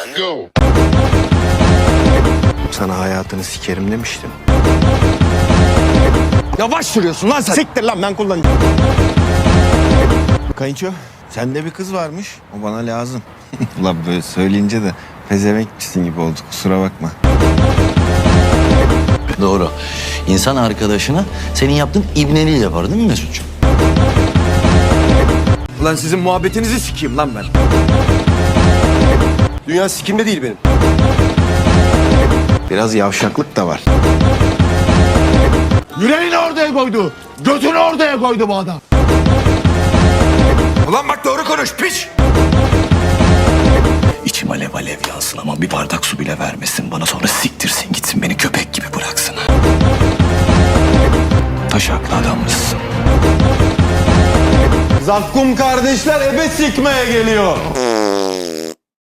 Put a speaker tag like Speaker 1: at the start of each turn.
Speaker 1: Go.
Speaker 2: Sana hayatını sikerim demiştim.
Speaker 3: Yavaş sürüyorsun lan sen.
Speaker 2: Siktir lan, ben kullanacağım. Kayınço, sende bir kız varmış. O bana lazım. Ulan böyle söyleyince de pezevenkçisin gibi oldu. Kusura bakma.
Speaker 4: Doğru. İnsan arkadaşına senin yaptığın ibneliği yapar değil mi Mesut'cuğum?
Speaker 3: Lan sizin muhabbetinizi sikeyim lan ben.
Speaker 5: Dünya sikimde değil benim.
Speaker 2: Biraz yavşaklık da var.
Speaker 3: Yüreğini ortaya koydu. Götünü ortaya koydu bu adam.
Speaker 5: Ulan bak doğru konuş piç.
Speaker 4: İçim alev alev yansın ama bir bardak su bile vermesin bana, sonra siktirsin gitsin, beni köpek gibi bıraksın. Taşaklı adammışsın.
Speaker 5: Zakkum kardeşler ebe sikmeye geliyor.